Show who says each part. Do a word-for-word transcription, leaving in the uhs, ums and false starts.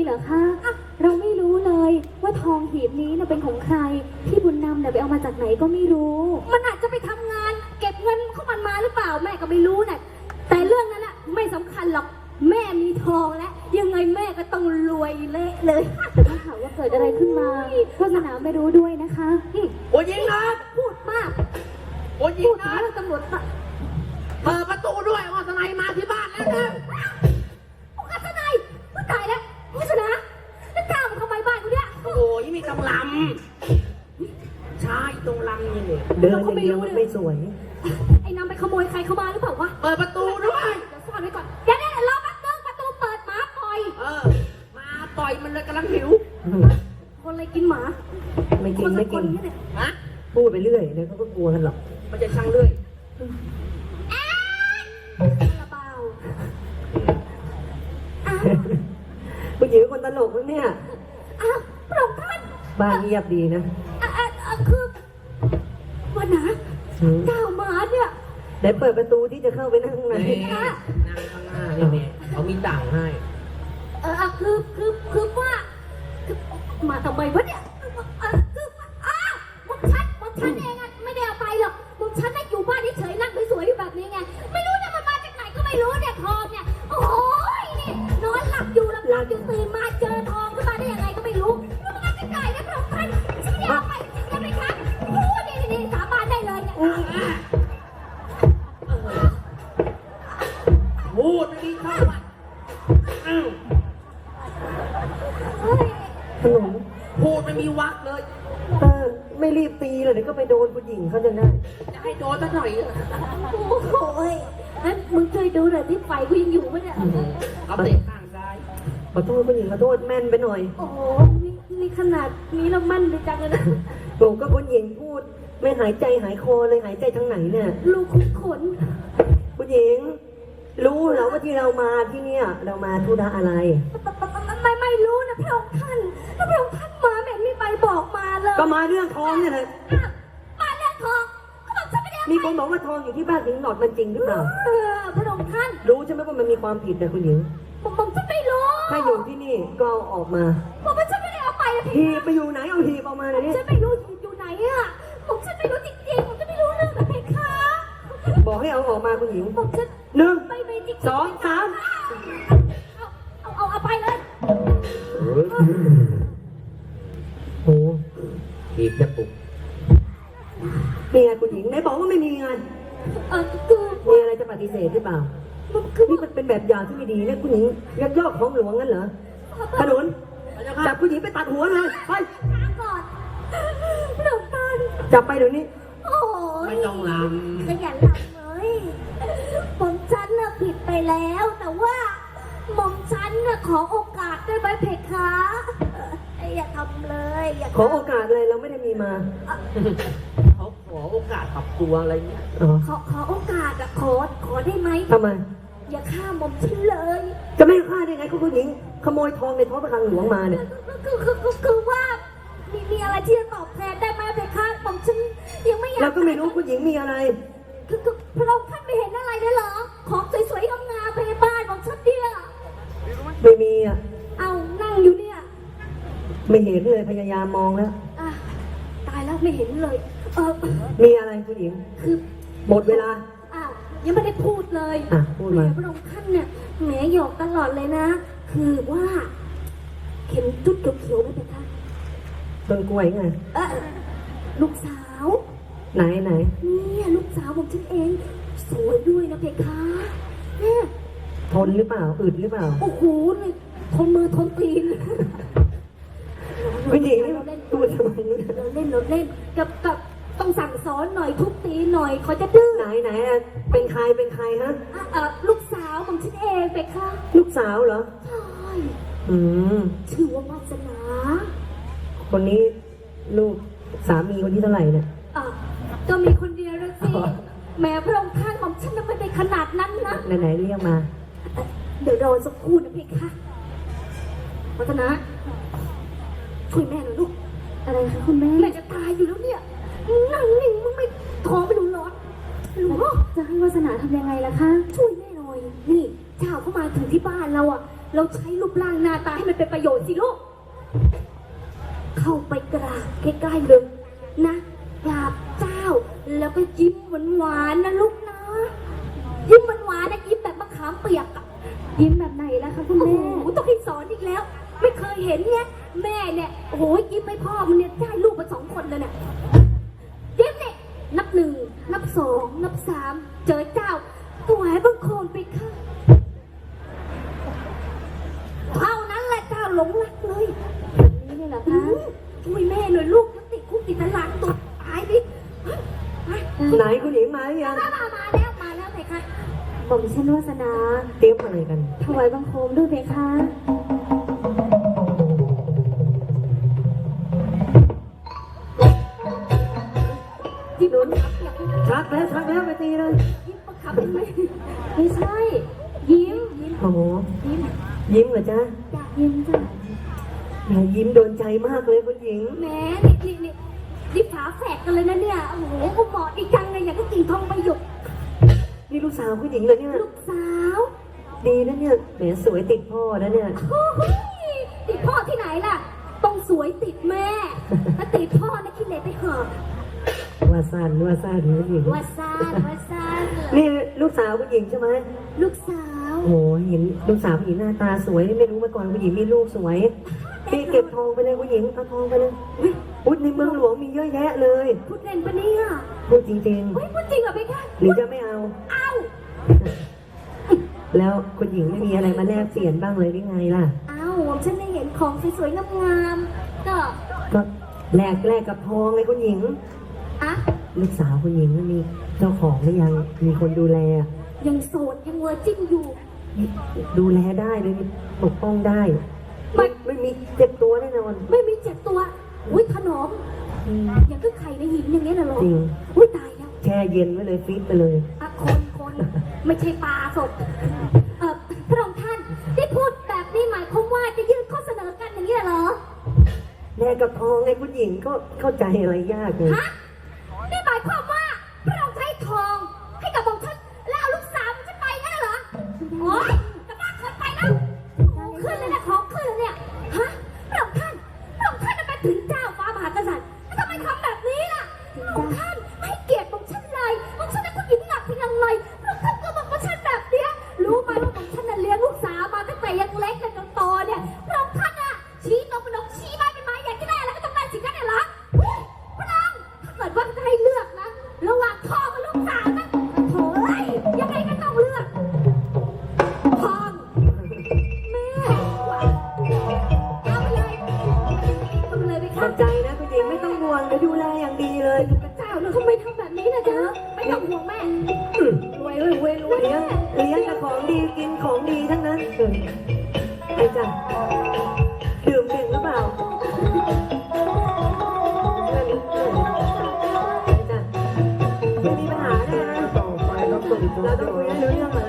Speaker 1: เหรอคะเราไม่รู้เลยว่าทองหีบนี้น่ะเป็นของใครพี่บุญนำเนี่ยไปเอามาจากไหนก็ไม่รู้มันอาจจะไปทำงานเก็บเงินเขามันมาหรือเปล่าแม่ก็ไม่รู้น่ะแต่เรื่องนั้นน่ะไม่สำคัญหรอกแม่มีทองแล้วยังไงแม่ก็ต้องรวยเละเลยแต่ถ้าหากว่าเกิดอะไรขึ้นมาพ่อสนามไม่รู้ด้วยนะคะ
Speaker 2: โอ้ยิงนะ
Speaker 1: พูดมาก
Speaker 2: โอ้ยิ
Speaker 1: พู
Speaker 2: ง
Speaker 1: ด
Speaker 2: นะ
Speaker 1: เรื่องตำรวจ
Speaker 2: เปิดประตูด้วยว่าทนายมาที่บ้านแล้วนะ
Speaker 1: ผู้กทนายผู้ตายแล้วผู้ชนะแล้วกล้ามาทำไมบ้านกูเนี่ย
Speaker 2: โอ้ยมีตรงลำใช่ตรงลำนี่
Speaker 3: เดินอย่างเดียวมันไม่สวย
Speaker 1: ไอ้นำไปขโมยใครเข้ามาหรือเปล่าวะ
Speaker 2: เปิดประตูด้วย
Speaker 1: เดี๋ยวซ่อนไว้ก่อนเดี๋ยวเดี๋ยวรอแป๊บนึงประตูเปิดหมาปล่อย
Speaker 2: เออมาต่อยมันเลยกำลังหิว
Speaker 1: คนอะไรกินหมา
Speaker 3: ไม่กินไม่กิน
Speaker 2: ฮะ
Speaker 3: พูดไปเรื่อยเดี๋ยวเขาก็กลัวกันหรอก
Speaker 2: มันจะช่างเรื่อย
Speaker 1: กระเป๋า
Speaker 3: ผู้หญิงคนตลกเนี่ย
Speaker 1: อ้าวพระองค์ท่าน
Speaker 3: บ้านเงียบดีนะ
Speaker 1: อ่ะอ่ะอ่ะคือวันนะก้าวมาเนี่ย
Speaker 3: เดี๋ยวเปิดประตูที่จะเข้าไปนั่งข้างใน
Speaker 2: นั่งข้างหน้านี่เนี่ยเขามีต่างให้
Speaker 1: เออคือคือคือว่ามาทำไมวะเนี่ยเออคืออ้าวมึงชัดมึงชัดเองอ่ะไม่ได้เอาไปหรอกมึงชัดได้อยู่บ้านเฉยๆนั่งสวยๆอยู่แบบนี้ไงไม่รู้เนี่ยมันมาจากไหนก็ไม่รู้เนี่ยทองเนี่ยโอ้ยนี่นอนหลับอยู่หลับหลับอยู่ตื่นมาเจอทองขึ้นมาได้ยังไงก็ไม่รู้มันมาจากไหนนะพระองค์ท่านฉันไม่ได้เอาไปจริงๆไหมคะพูดนี่นี่สาบานได้เลยเนี่ย
Speaker 2: พูดไม่ดีเข้าไป
Speaker 3: ขนม
Speaker 2: พูดไม่มีวักเลย
Speaker 3: เออไม่รีบตีเลยเดี๋ยวก็ไปโดนผู้หญิงเขาจะได้
Speaker 2: จะให้โดนสักหน่อย
Speaker 1: โอ้โหงั้นมึงช่วยดูหน่อยที่ไฟกูยังอยู่ไหมเนี่ย
Speaker 2: เขาเตะข้างซ้าย
Speaker 3: ขอโทษผู้หญิงขอโทษแม่นไปหน่อย
Speaker 1: โอ้โหนี่นี่ขนาดนี้เรามั่นไปจังเลยนะ
Speaker 3: ผมก็ผู้หญิงพูดไม่หายใจหายคอเลยหายใจทางไหนเนี่ย
Speaker 1: ลูกขุนขน
Speaker 3: ผู้หญิงรู้เหรอว่าที่เรามาที่เนี่ยเรามาธุระอะไร
Speaker 1: ไม่ไม่รู้นะพระองค์ท่านพระองค์ท่านมาแบบไม่ไปบอกมาเลย
Speaker 3: ก็มาเรื่องทองเนี่ยแหละ
Speaker 1: มาเรื่องทองก็บอกฉันไม่ได้
Speaker 3: มีคนบอกว่าทองอยู่ที่บ้านหญิงหนอดมันจริงหรือเปล่า
Speaker 1: เออพระองค์ท่าน
Speaker 3: รู้ใช่ไหมว่ามันมีความผิดนะคุณหญิง
Speaker 1: ผมผมฉันไม่รู้
Speaker 3: ถ้าอยู่ที่นี่ก็เอาออกมา
Speaker 1: ผมว่าฉันไม่ได้เอาไปนะ
Speaker 3: หีบไปอยู่ไหนเอาหีบออกมาเลยนี่
Speaker 1: ฉันไม่รู้หีบอยู่ไหนอะผมฉันไม่รู้จริงๆผมจะไม่รู้เรื่องนะเพคะ
Speaker 3: บอกให้เอาออกมาคุณหญิง
Speaker 1: ผมฉัน
Speaker 3: หนึ่ง
Speaker 1: ไม่ไม่จริง
Speaker 3: สองสาม
Speaker 1: เอาเอาเอาไปเลย
Speaker 3: โอ้
Speaker 2: หีบจะปุก
Speaker 3: มีไงคุณหญิงไหนบอกว่าไม่มีไง
Speaker 1: เออคือ
Speaker 3: มีอะไรจะปฏิเสธหรือเปล่านี่มันเป็นแบบอย่างที่ไม่ดีนะคุณหญิงยักยอกของหลวงงั้นเหรอขนุนจับคุณหญิงไปตัดหัวเลยไป
Speaker 1: ก่อนหลวงตา
Speaker 3: จับไปเดี๋ยวนี้
Speaker 1: โอ้ย
Speaker 2: ไม่ต้องลำ
Speaker 1: ขยันลำเลยผมฉันน่ะผิดไปแล้วแต่ว่าหม่อมฉันน่ะขอโอกาสได้ไหมเพคะอย่าทำเลยอย่า
Speaker 3: ขอโอกาสเลยเราไม่ได้มีมา
Speaker 2: เขาขอโอกาสปรับตัวอะไรเงี้ย
Speaker 1: ขอขอโอกาสอะขอขอได้ไหม
Speaker 3: ทำไม
Speaker 1: อย่าฆ่าหม่อมฉันเลย
Speaker 3: จะไม่ฆ่าได้ไงคุณผู้หญิงขโมยทองในท้องพระคลังหลวงมาเนี่ย
Speaker 1: คือคือคือคือว่ามีมีอะไรที่จะตอบแทนได้ไหมเพคะหม่อมฉันยังไม่อยาก
Speaker 3: เราก็ไม่รู้คุณหญิงมีอะไร
Speaker 1: คือคือพระองค์ท่านไม่เห็นอะไรเลยเหรอของสวยๆงามๆไปบ้านของฉันเนี่ย
Speaker 3: ไม่มีอ่ะ
Speaker 1: เอานั่งอยู่เนี่ย
Speaker 3: ไม่เห็นเลยพยายามมองแล้ว
Speaker 1: ตายแล้วไม่เห็นเลยเออ
Speaker 3: มีอะไรคุณหญิง
Speaker 1: คือ
Speaker 3: หมดเวลา
Speaker 1: อ้าวยังไม่ได้พูดเลย
Speaker 3: อ่ะพูดมา
Speaker 1: พระองค์ท่านเนี่ยแหมหยอกตลอดเลยนะคือว่าเข็มจุดเขียวๆนั่นเป็นท่า
Speaker 3: ต้นกล้วยไง
Speaker 1: เออลูกสาว
Speaker 3: ไหนไหน
Speaker 1: เนี่ยลูกสาวของฉันเองสวยด้วยนะเพคะเนี่ย
Speaker 3: ทนหรือเปล่าอึดหรือเปล่า
Speaker 1: โอ้โหเลยทนมือทนตีน
Speaker 3: คุณหญิงเราเล่นตัวทำไม
Speaker 1: เราเล่นเราเล่นกับกับต้องสั่งสอนหน่อยทุบตีหน่อยเขาจะดื้อ
Speaker 3: ไหนไหนเป็นใครเป็นใครฮะ
Speaker 1: เออลูกสาวของฉันเองเพคะ
Speaker 3: ลูกสาวเหรอ
Speaker 1: ใช่
Speaker 3: อืม
Speaker 1: ชื่อว่าวาสนา
Speaker 3: คนนี้ลูกสามีคนที่เท่าไหร่เนี่ย
Speaker 1: อ่ะก็มีคนเดียวเลยสิแม่พระองค์ท่านของฉันไม่ได้ขนาดนั้นนะ
Speaker 3: ไหนๆเรียกมา
Speaker 1: เดี๋ยวรอสักครู่นะเพคะวัฒนะช่วยแม่หน่อยลูกอะไรคะคุณแม่แม่จะตายอยู่แล้วเนี่ยนั่งนิ่งมึงไม่ท้องไม่รู้ร้อนรู้จะให้วาสนาทำยังไงล่ะคะช่วยแม่หน่อยนี่เจ้าเข้ามาถึงที่บ้านเราอ่ะเราใช้รูปร่างหน้าตาให้มันเป็นประโยชน์สิลูก เข้าไปกราบใกล้ๆเลยนะกราบเจ้า แล้วก็ยิ้มหวานๆนะลูกนะ ยิ้มหวานๆนะยิ้มแบบมะขามเปียกอะยิ้มแบบไหนล่ะคะคุณแม่ต้องให้สอนอีกแล้ว ไม่เคยเห็นเนี่ยแม่เนี่ยโอ้โหยิ้มให้พ่อมันเนี่ยได้ลูกมาสองคนเลยเนี่ยยิ้มเนี่ยนับหนึ่งนับสองนับสามเจอเจ้าตัวแหวบังคมไปค่ะเท่านั้นแหละเจ้าหลงรักเลยแบบนี้เนี่ยเหรอคะช่วยแม่หน่อยลูกติดคุกติดตารางตัวตายดิ
Speaker 3: ไหนคุณหญิงมาหรือยัง
Speaker 1: มามามาแล้วมาแล้วเพคะผมชื่อวาสนา
Speaker 3: เตรียมอะไรกัน
Speaker 1: ถวายบังคมด้วยเพคะยิ้มหนุน
Speaker 3: ชักแล้วชักแล้วไปตีเลย
Speaker 1: ยิ้มประคับเห็นไหมไม่ใช่ ยิ้มยิ้ม
Speaker 3: โอ้โห
Speaker 1: ยิ้ม
Speaker 3: ยิ้มเหรอจ๊ะ
Speaker 1: อยากยิ้มจ้ะ
Speaker 3: แหมยิ้มโดนใจมากเลยคุณหญิง
Speaker 1: แหมนี่นี่นี่นี่ฝาแฝดกันเลยนะเนี่ยโอ้โหก็เหมาะดีจังเลยอย่างก็กิ่งทองใบหยก
Speaker 3: นี่ลูกสาวคุณหญิงเลยเนี่ย
Speaker 1: ลูกสาว
Speaker 3: ดีนะเนี่ยแหมสวยติดพ่อนะเนี่ย
Speaker 1: โอ้โหติดพ่อที่ไหนล่ะ ต้องสวยติดแม่ ถ้าติดพ่อนะคิดเลยไปเถอะ
Speaker 3: ว่าสั้นว่าสั้นคุณหญิง
Speaker 1: ว่าซานว่าซาน
Speaker 3: นี่ลูกสาวคุณหญิงใช่ไหม
Speaker 1: ลูกสาว
Speaker 3: โอ้โหเห็นลูกสาวคุณหญิงหน้าตาสวยไม่รู้มาก่อนคุณหญิงมีลูกสวยพี่เก็บทองไปเลยคุณหญิงเอาทองไปเลย
Speaker 1: อุ๊ย
Speaker 3: อุ๊ยในเมืองหลวงมีเยอะแยะเลย
Speaker 1: พูดเล่นปะเนี่ย
Speaker 3: พูดจริง
Speaker 1: เฮ้ยพูดจริงเหรอพี่คะ
Speaker 3: ๆหรือจะไม่เอา
Speaker 1: เอ้า
Speaker 3: แล้วคุณหญิงไม่มีอะไรมาแลกเปลี่ยนบ้างเลยหรือไงล่ะ
Speaker 1: เอ้าฉันได้เห็นของสวยๆงามๆก็
Speaker 3: ก็แลกแลกกับทองเลยคุณหญิง
Speaker 1: อะ
Speaker 3: ลูกสาวคุณหญิงมีเจ้าของหรือยังมีคนดูแล
Speaker 1: ยังโสดยังเวอร์จิ้นอยู่
Speaker 3: ดูแลได้เลยปกป้องได้ ไม่ไม่มีเจ็บตัวแน่นอน
Speaker 1: ไม่มีเจ็บตัว อุ้ยถนอมอย่างก็ไข่ในหินอย่างเงี้ยน่ะเหรอ
Speaker 3: จริง
Speaker 1: อุ้ยตายแล้ว
Speaker 3: แช่เย็นไว้เลยฟิตไปเลย
Speaker 1: อะคนคนไม่ใช่ปลาสด เอ่อพระองค์ท่านได้พูดแบบนี้หมายความว่าจะยื่นข้อเสนอกันอย่างนี้เหรอ
Speaker 3: แลกกับทองไงคุณหญิงก็เข้าใจอะไรยากเลย
Speaker 1: ฮะนี่หมายความว่าพระองค์ใช้ทองให้กับองค์ท่านแล้วเอาลูกสาวฉันไปงั้นเหรอ โอ๊ยจะบ้าเกินไปแล้วของขึ้นเลยนะของขึ้นเลยเนี่ย ฮะพระองค์ท่านพระองค์ท่านน่ะเป็นถึงเจ้าฟ้ามหากษัตริย์แล้วทำไมทำแบบนี้ล่ะพระองค์ท่านให้เกียรติองค์ฉันเลยองค์ฉันเป็นผู้หญิงหนักเพียงไรพระองค์ท่านก็บอกว่าฉันแบบเนี้ยรู้ไหมว่าองค์ฉันน่ะเลี้ยงลูกสาวมาตั้งแต่ยังเล็กจนโตเนี่ยพระองค์ท่านอ่ะชี้นกเป็นนกชี้ไม้เป็นไม้อยากจะได้อะไรก็ต้องได้สิ่งนั้นเนี่ยเหรอเฮ้ยพระองค์ถ้าเกิดว่าจะให้เลือกนะระหว่างทองกับลูกสาวนะโถ่เอ้ยยังไงก็ต้องเลือกทองแม่เอาไปเลยเอาไปเลยไป
Speaker 3: ข
Speaker 1: ค่ะ
Speaker 3: อบใจนะคุณหญิงไม่ต้องห่วงเดี๋ยวดูแลอย่างดีเลย
Speaker 1: พระเจ้าเราทำไมทำแบบนี้นะจ๊ะไม่ต้องห่วงแม่รวยรวยรวยรวย
Speaker 3: เลี้ยงเลี้ยงแต่ของดีกินของดีทั้งนั้นเออไอ้จ้ะดื่มเก่งหรือเปล่าไอ้จ้ะไม่มีปัญหาแน่นะเราต้องคุยกันรู้เรื่องอะไร